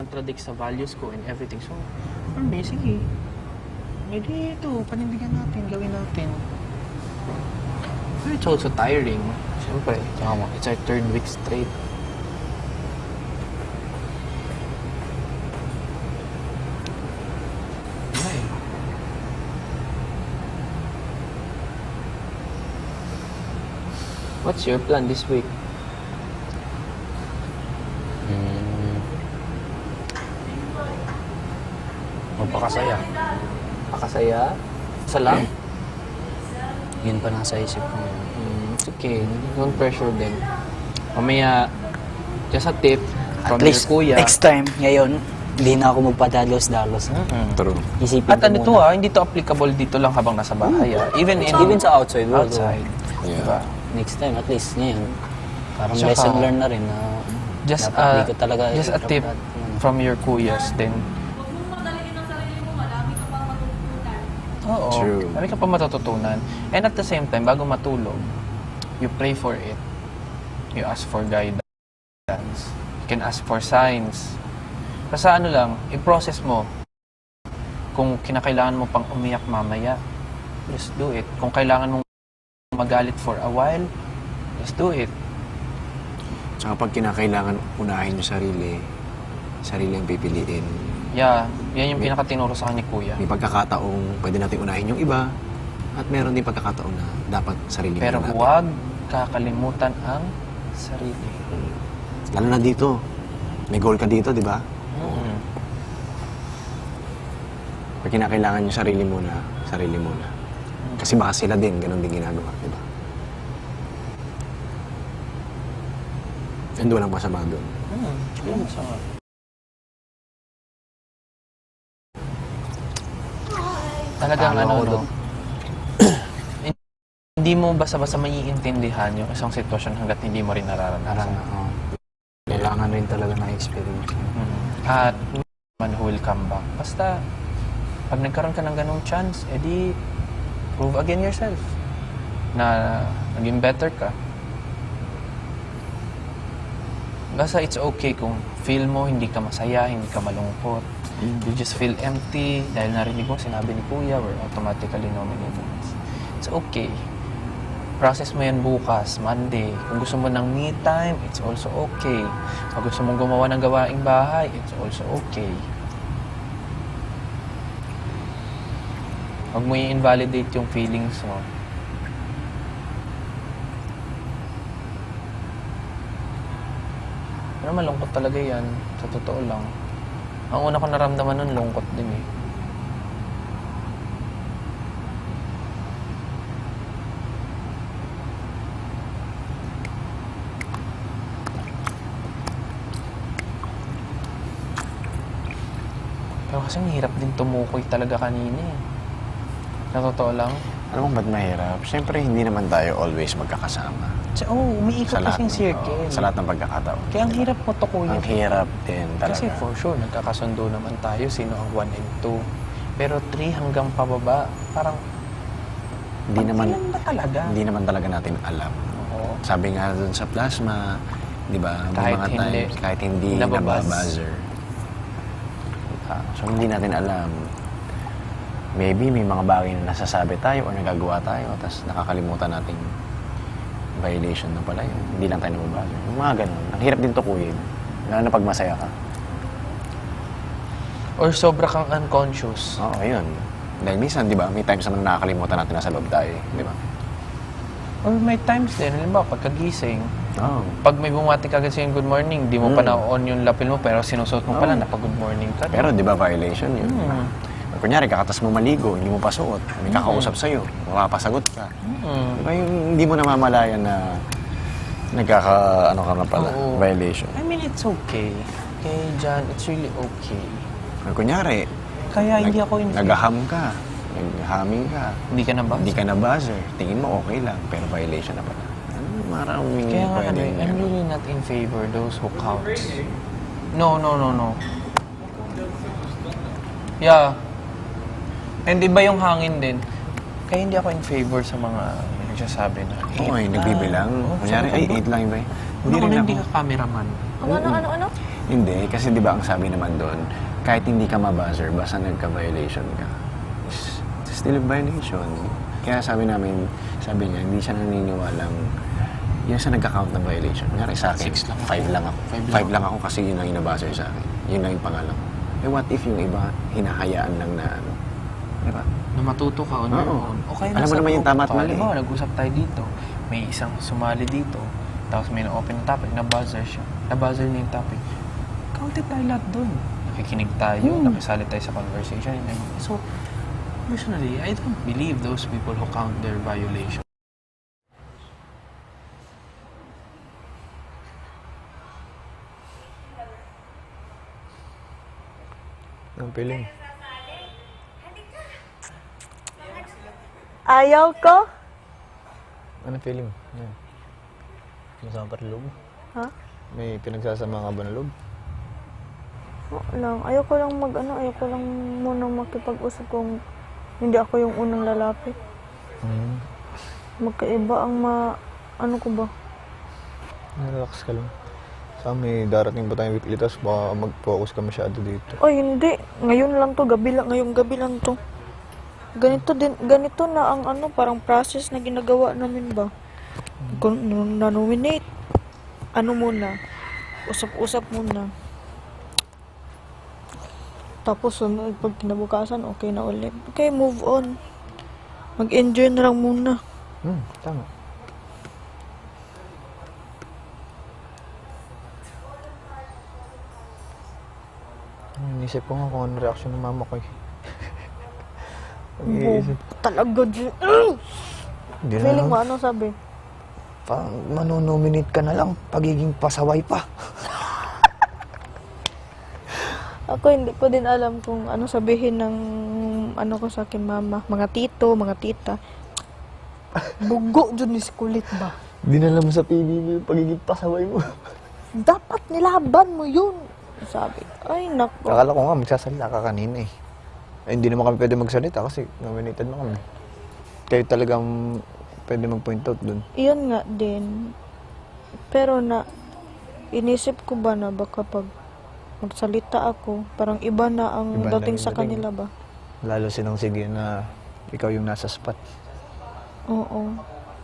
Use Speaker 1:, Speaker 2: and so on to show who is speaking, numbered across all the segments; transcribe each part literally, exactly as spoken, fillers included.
Speaker 1: contradict sa values ko and everything. So, um, sige. Maybe ito, panindigan natin, gawin natin. But it's also tiring. Siyempre, it's our third week straight. Ay. What's your plan this week?
Speaker 2: Hmm. Magpakasaya.
Speaker 1: Pakasaya? Isa lang?
Speaker 2: Yun pa nasa isip ko ngayon.
Speaker 1: Mm, it's okay. Don't pressure them. Mamaya, just a tip from
Speaker 2: At least,
Speaker 1: your kuya.
Speaker 2: next time, ngayon, hindi na ako magpadalos-dalos.
Speaker 1: Mm-mm.
Speaker 3: True.
Speaker 2: Isipin
Speaker 1: At
Speaker 2: ko
Speaker 1: ano
Speaker 2: muna.
Speaker 1: to ah, hindi to applicable dito lang habang nasa bahay ah. Even in
Speaker 2: Even sa outside world.
Speaker 1: outside.
Speaker 3: Yeah.
Speaker 1: Diba?
Speaker 2: Next time, at least ngayon, parang
Speaker 1: Tsaka,
Speaker 2: lesson learned na rin na
Speaker 1: Just
Speaker 2: dapat
Speaker 1: uh,
Speaker 2: di ko talaga
Speaker 1: just a tip
Speaker 2: i-drop that, ano.
Speaker 1: from your kuyas then.
Speaker 4: Huwag mong madaliin ang sarili mo, marami ka pang matutunan.
Speaker 1: Oo.
Speaker 3: True.
Speaker 1: Marami ka pa matututunan. And at the same time, bago matulog, you pray for it. You ask for guidance. You can ask for signs. Kasi ano lang, i-process mo. Kung kinakailangan mo pang umiyak mamaya, just do it. Kung kailangan mong magalit for a while, just do it.
Speaker 3: Tsaka pag kinakailangan unahin yung sarili, sarili ang pipiliin.
Speaker 1: Yeah, yan yung pinakatinuro sa akin ni Kuya.
Speaker 3: May pagkakataong pwede natin unahin yung iba, at meron din pagkakataon na dapat sarili
Speaker 1: Pero
Speaker 3: muna natin.
Speaker 1: huwag kakalimutan ang sarili.
Speaker 3: Lalo na dito. May goal ka dito, di ba?
Speaker 1: Mm.
Speaker 3: Pag kinakailangan yung sarili muna, sarili muna. Kasi baka sila din, ganun din ginagawa, di ba? And walang masama doon.
Speaker 1: Hmm, yun sa Talagang
Speaker 2: Tama
Speaker 1: ano,
Speaker 2: ako
Speaker 1: no?
Speaker 2: dun.
Speaker 1: Hindi mo basta-basta maiintindihan yung isang sitwasyon hanggat hindi mo rin
Speaker 2: Parang,
Speaker 1: nararanasan.
Speaker 2: oh, kailangan rin talaga na experience.
Speaker 1: Mhm. At man who will come back. Basta, pag nagkaroon ka ng ganong chance, edi prove again yourself na naging better ka. Basta it's okay kung feel mo hindi ka masaya, hindi ka malungkot. You just feel empty dahil narinig mo sinabi ni Kuya, we're automatically nominated. It's okay. Process mo yan bukas, Monday. Kung gusto mo ng me time, it's also okay. Kung gusto mong gumawa ng gawaing bahay, it's also okay. Huwag mo i-invalidate yung feelings mo. Pero malungkot talaga yan. Sa totoo lang. Ang una ko naramdaman nun, lungkot din eh. Pero kasi mahirap din tumukoy talaga kanina eh. Sa totoo lang.
Speaker 3: Alam mo ba't mahirap? Siyempre, hindi naman tayo always magkakasama.
Speaker 1: Kasi, oh, umiikot
Speaker 3: lahat
Speaker 1: kasing
Speaker 3: ng-
Speaker 1: circle.
Speaker 3: oo, sa lahat ng pagkakataon.
Speaker 1: Kaya ang hirap mo tukuyin.
Speaker 3: Ang hirap din talaga.
Speaker 1: Kasi for sure, nagkakasundo naman tayo sino ang one and two. Pero three hanggang pababa, parang
Speaker 3: hindi naman,
Speaker 1: ilan ba talaga?
Speaker 3: hindi naman talaga natin alam.
Speaker 1: Oo.
Speaker 3: Sabi nga dun sa plasma, di ba, may
Speaker 1: Kahit
Speaker 3: mga
Speaker 1: hindi.
Speaker 3: times, kahit hindi
Speaker 1: Nababuzz.
Speaker 3: nababuzzer. Ah, so, hindi natin alam. Maybe may mga bagay na nasasabi tayo o nagagawa tayo, tapos nakakalimutan nating violation na pala yun. Hindi lang tayo nababuzzer. Yung mga ganun. Ang hirap din tukuyin. Lalo na pag masaya ka.
Speaker 1: Or sobra kang unconscious.
Speaker 3: Oo, ayun. Dahil minsan, di ba, may times naman na nakakalimutan natin nasa loob tayo, eh, di ba?
Speaker 1: Or may times din, halimbawa, pagkagising,
Speaker 3: Oo.
Speaker 1: pag may bumati ka kasi yung good morning, di mo pa
Speaker 3: Mm.
Speaker 1: na-on yung lapel mo, pero sinusuot mo pala
Speaker 3: Oo.
Speaker 1: na pag-good morning ka.
Speaker 3: Pero di ba violation yun?
Speaker 1: Mm.
Speaker 3: Kunyari, kakatas mo maligo, hindi mo pa suot, may kakausap sa'yo, mapapasagot ka.
Speaker 1: Mm.
Speaker 3: Di ba yung hindi mo namamalayan na nagkaka, ano ka na pala,
Speaker 1: Oo.
Speaker 3: violation.
Speaker 1: I mean, it's okay. Okay, John, it's really okay.
Speaker 3: Or kunyari,
Speaker 1: Kaya hindi
Speaker 3: nag-
Speaker 1: ako in
Speaker 3: naghaham ka, naghaming ka,
Speaker 1: Hindi ka na ba?
Speaker 3: hindi ka na buzzer, tingin mo okay lang, pero violation na pala. Ano, maraming
Speaker 1: Kaya nga, ano,
Speaker 3: pwede.
Speaker 1: eh, I'm really not in favor those who counts. No, no, no, no. Yeah. And iba yung hangin din. Kaya hindi ako in favor sa mga nagsasabi na
Speaker 3: Oo, ay,
Speaker 1: eight
Speaker 3: nagbibilang.
Speaker 1: lang. Oo,
Speaker 3: Kunyari,
Speaker 1: sabi ko,
Speaker 3: ay,
Speaker 1: bro,
Speaker 3: eight lang ba?
Speaker 1: Ano
Speaker 3: Hindi
Speaker 1: kung
Speaker 3: rin
Speaker 1: hindi
Speaker 3: ako.
Speaker 1: ka cameraman?
Speaker 4: Ano, ano, ano, ano?
Speaker 3: Hindi, kasi di ba ang sabi naman doon, kahit hindi ka mabuzzer, basta nagka-violation ka, it's still a violation. Kaya sabi namin, sabi niya, hindi siya naniniwalang yun sa nagka-count na violation. Kunyari sa akin,
Speaker 1: Six lang ako.
Speaker 3: five lang ako.
Speaker 1: Five lang
Speaker 3: Five lang ako kasi yun ang inabuzzer sa akin. Yun lang yung pangalan ko. Eh what if yung iba, hinahayaan lang na ano? Di ba?
Speaker 1: Na matuto ka on your
Speaker 3: Oo.
Speaker 1: own. Okay,
Speaker 3: Alam mo
Speaker 1: nasa
Speaker 3: naman yung
Speaker 1: group
Speaker 3: tama at
Speaker 1: ka.
Speaker 3: mali.
Speaker 1: Halimbawa, nag-usap tayo dito. May isang sumali dito. Tapos may na-open na topic. Na-buzzer siya. Na-buzzer niya yung topic. Counted tayo lahat dun. Nakikinig tayo.
Speaker 3: Hmm.
Speaker 1: Nakisali tayo sa conversation. And everything. So, personally, I don't believe those people who count their violation.
Speaker 5: Ang feeling.
Speaker 6: Ayaw ko?
Speaker 5: Ano feeling? Yan. Masama pa rin loob?
Speaker 6: Ha?
Speaker 5: May pinagsasama ka ba na loob?
Speaker 6: Oo lang. Ayaw ko lang mag ano, ayaw ko lang muna makipag-usap kung hindi ako yung unang lalapit.
Speaker 5: Hmm.
Speaker 6: Magkaiba ang ma... ano ko ba?
Speaker 5: Relax ka lang. Sa may darating pa tayong weekly tapos baka mag-focus ka masyado dito.
Speaker 6: Oy, hindi. Ngayon lang to, gabi lang, ngayong gabi lang to. Ganito din, ganito na ang ano, parang process na ginagawa namin ba? Kung nung na-nominate, ano muna, usap-usap muna. Tapos, sunod, pag kinabukasan, okay na ulit. Okay, move on. Mag-enjoy na lang muna.
Speaker 5: Hmm, tama. Hmm, Inisip ko nga kung ano reaction ng mama ko eh. Pag-iisip.
Speaker 6: Talaga, G-
Speaker 5: Hindi na
Speaker 6: Feeling
Speaker 5: lang.
Speaker 6: mo, ano sabi?
Speaker 5: Parang manonominate ka na lang, pagiging pasaway pa.
Speaker 6: Ako hindi ko din alam kung ano sabihin ng ano ko sa akin mama. Mga tito, mga tita. Bugo dyan ni kulit ba?
Speaker 5: Dinala mo sa P B B yung pagiging pasaway mo.
Speaker 6: Dapat nilaban mo yun. Sabi. Ay, nako.
Speaker 5: Akala ko nga magsasalita ka kanina eh. Eh, hindi naman kami pwede magsalita kasi nominated na kami. Kayo talagang pwede mag-point out dun.
Speaker 6: Iyon nga din. Pero na, inisip ko ba na baka pag magsalita ako, parang iba na ang
Speaker 5: Iba na
Speaker 6: dating
Speaker 5: yung
Speaker 6: sa
Speaker 5: dating.
Speaker 6: kanila ba?
Speaker 5: Lalo sinang sige na ikaw yung nasa spot.
Speaker 6: Oo.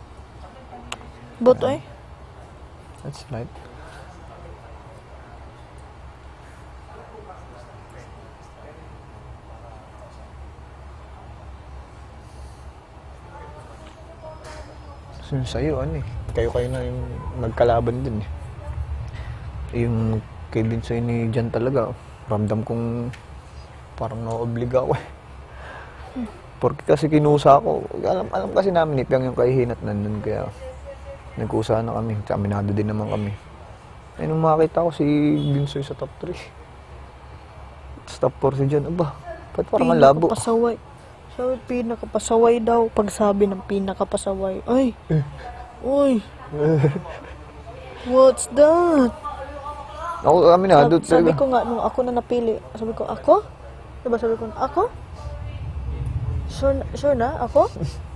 Speaker 6: But ay,
Speaker 5: That's right. So, sa'yo, ano eh. Kayo-kayo na yung nagkalaban din eh. Yung kay Binsoy ni Jan talaga, ramdam kong parang naobliga ako eh. Porque kasi kinusa ako. Alam, alam kasi namin ipang yung kahihinat nandun kaya nagkusa na kami. Aminado din naman kami. Eh nung makita ko si Binsoy sa top three. Tapos top four si Jan, aba, ba't parang ang labo?
Speaker 6: pinakapasaway. Sabi, pinakapasaway daw. Pagsabi ng pinakapasaway. Ay! Uy! What's that?
Speaker 5: Ako, aminado
Speaker 6: Sabi, sabi
Speaker 5: talaga.
Speaker 6: ko nga, nung ako na napili, sabi ko, ako? Diba sabi ko, ako? Sure, na- sure na? Ako?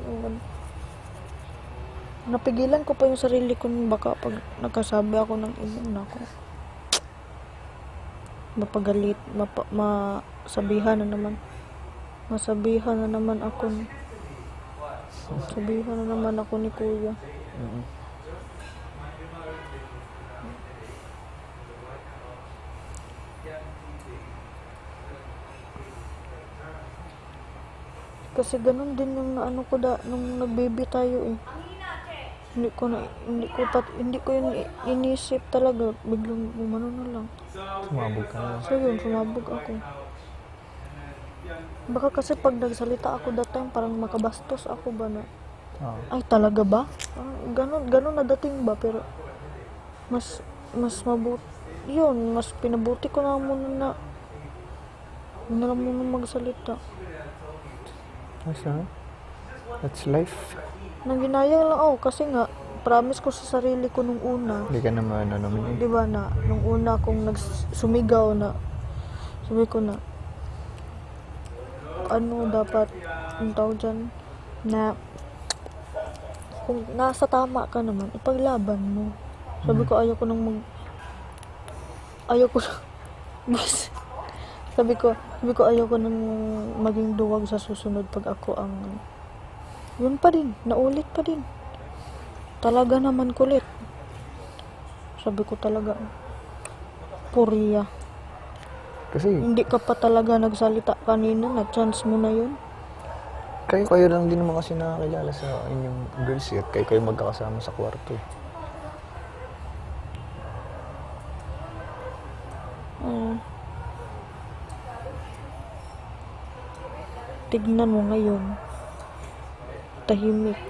Speaker 6: Napigilan ko pa yung sarili ko nung baka pag nagkasabi ako ng ibang nako. Mapagalit, mapa, masabihan na naman. Masabihan na naman ako. ni- Sabihan na naman ako ni Kuya. Kasi ganun din yung naano ko da nung nag-baby tayo eh. Hindi ko na hindi ko pat hindi ko yun i- inisip talaga, biglang umano na lang.
Speaker 5: Sumabog ka na.
Speaker 6: So yun, sumabog ako. Baka kasi pag nagsalita ako that time parang makabastos ako ba na
Speaker 5: Oo.
Speaker 6: ay talaga ba? Parang ganun ganun na dating ba, pero mas mas mabuti yun, mas pinabuti ko na muna na hindi na lang muna magsalita.
Speaker 5: That's, uh, that's life.
Speaker 6: Nang ginaya lang ako kasi nga promise ko sa sarili ko nung una,
Speaker 5: Hindi ka naman ano naman
Speaker 6: di ba na nung una kong nagsumigaw na sabi ko na ano dapat ang tawag dyan na kung nasa tama ka naman ipaglaban mo. Sabi ko ayaw ko nang mag ayoko na. Bas, sabi ko, sabi ko ayoko nang maging duwag sa susunod pag ako ang, yun pa din, naulit pa din. Talaga naman kulit. Sabi ko talaga, Puriya.
Speaker 5: Kasi
Speaker 6: Hindi ka pa talaga nagsalita kanina, na-chance mo na yun.
Speaker 5: kayo kayo lang din naman kasi nakakilala sa inyong girls eh. At kayo kayo magkakasama sa kwarto eh.
Speaker 6: Mm. Tignan mo ngayon. Tahimik.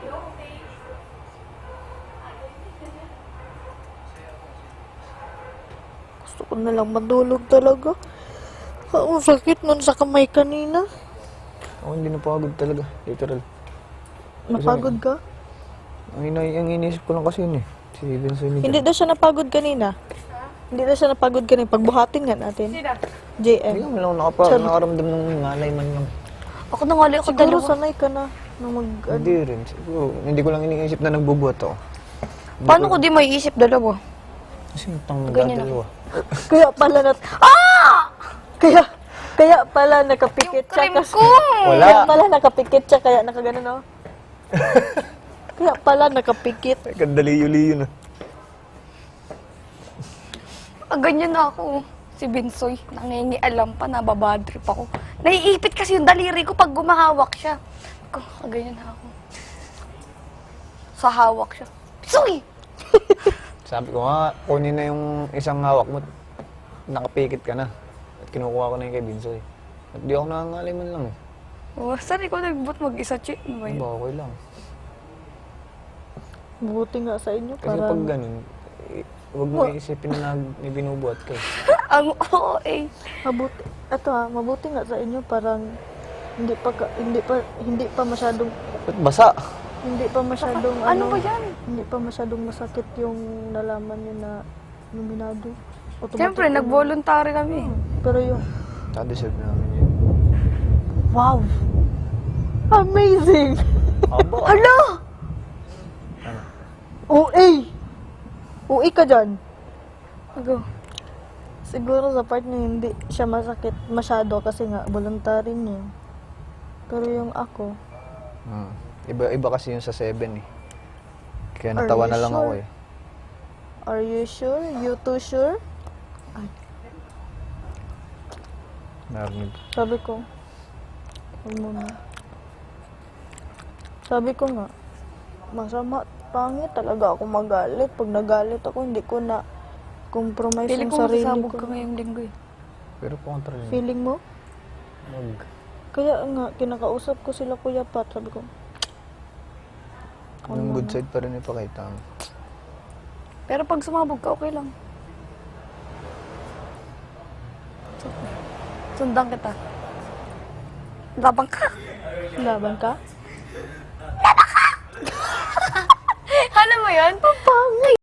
Speaker 6: Gusto ko na lang madulog talaga. Ang sakit nun sa kamay kanina.
Speaker 5: Ako hindi napagod talaga, literal.
Speaker 6: Napagod ka?
Speaker 5: Ang, ina ang iniisip ko lang kasi yun eh. Si Vincent ni
Speaker 6: Hindi
Speaker 5: Jan.
Speaker 6: daw siya napagod kanina. Hindi daw siya napagod kanina. Pagbuhatin nga natin. J M.
Speaker 5: Hindi ka lang nakapa,
Speaker 6: Charot.
Speaker 5: nakaramdam ng ngalay man lang.
Speaker 4: Ako na ngali ako
Speaker 6: Siguro
Speaker 4: dalawa.
Speaker 6: sanay ka na na mag...
Speaker 5: Hindi rin. Siguro, hindi ko lang iniisip na nagbubuhat ako.
Speaker 4: Paano ko di may isip dalawa?
Speaker 5: Kasi yung tang
Speaker 4: Ganyan
Speaker 5: dalawa.
Speaker 6: Kaya pala na... Ah! Kaya... Kaya pala nakapikit siya.
Speaker 4: Cream
Speaker 6: Kasi,
Speaker 4: ko!
Speaker 5: Wala.
Speaker 6: Kaya pala nakapikit siya. Kaya nakaganon oh. Kaya pala nakapikit.
Speaker 5: Ay, kandaliyo-liyo na.
Speaker 4: Ah, ganyan na ako. Si Binsoy, nangingialam pa, nababadrip ako. Naiipit kasi yung daliri ko pag gumahawak siya. Ako, ah, ganyan na ako. Sa hawak siya. Binsoy!
Speaker 5: Sabi ko nga, kunin na yung isang hawak mo. Nakapikit ka na. At kinukuha ko na yung kay Binsoy. At di ako nangangalay man lang eh.
Speaker 4: Oh, saan ikaw nagbut mag-isa, Chi? Ano ba
Speaker 5: Ano
Speaker 4: yun?
Speaker 5: ba, okay lang.
Speaker 6: Buti nga sa inyo.
Speaker 5: Kasi
Speaker 6: Parang...
Speaker 5: pag ganun, eh, huwag mo iisipin na nag- may binubuhat ka eh.
Speaker 4: Ang oo eh.
Speaker 6: Mabuti, eto ha, mabuti nga sa inyo parang hindi pa ka- hindi pa hindi pa masyadong
Speaker 5: Ba't basa?
Speaker 6: hindi pa masyadong
Speaker 4: Ano ba yan?
Speaker 6: Hindi pa masyadong masakit yung nalaman niyo na nominado. Automatic
Speaker 4: Siyempre,
Speaker 6: yun.
Speaker 4: nag-voluntary kami.
Speaker 6: Pero yung
Speaker 5: Ta-deserve namin yun.
Speaker 6: wow. Amazing.
Speaker 5: Aba!
Speaker 4: Hala!
Speaker 6: O A. O A ka dyan.
Speaker 4: Ako.
Speaker 6: Siguro sa part niya hindi siya masakit masyado kasi nga voluntary niya. Pero yung ako,
Speaker 5: Hmm. Iba, iba kasi yun sa seven eh. Kaya
Speaker 6: Are
Speaker 5: natawa
Speaker 6: you
Speaker 5: na lang ako
Speaker 6: sure?
Speaker 5: eh.
Speaker 6: are you sure? You too sure?
Speaker 5: Narinig.
Speaker 6: Sabi ko, huwag mo na. Sabi ko nga, masama, pangit talaga ako magalit. Pag nagalit ako, hindi ko na compromise
Speaker 4: Pili
Speaker 6: yung
Speaker 4: ko
Speaker 6: sarili
Speaker 4: masasabog
Speaker 6: ko.
Speaker 4: ka ngayong linggo eh.
Speaker 5: Pero kontra yun.
Speaker 6: Feeling mo?
Speaker 5: Wag.
Speaker 6: Kaya nga, kinakausap ko sila Kuya Pat. Sabi ko,
Speaker 5: Yung good side pa rin ipakita mo.
Speaker 4: Pero pag sumabog ka, okay lang. Sundan kita. Labang ka.
Speaker 6: laban ka?
Speaker 4: Alam mo yan? Papangay.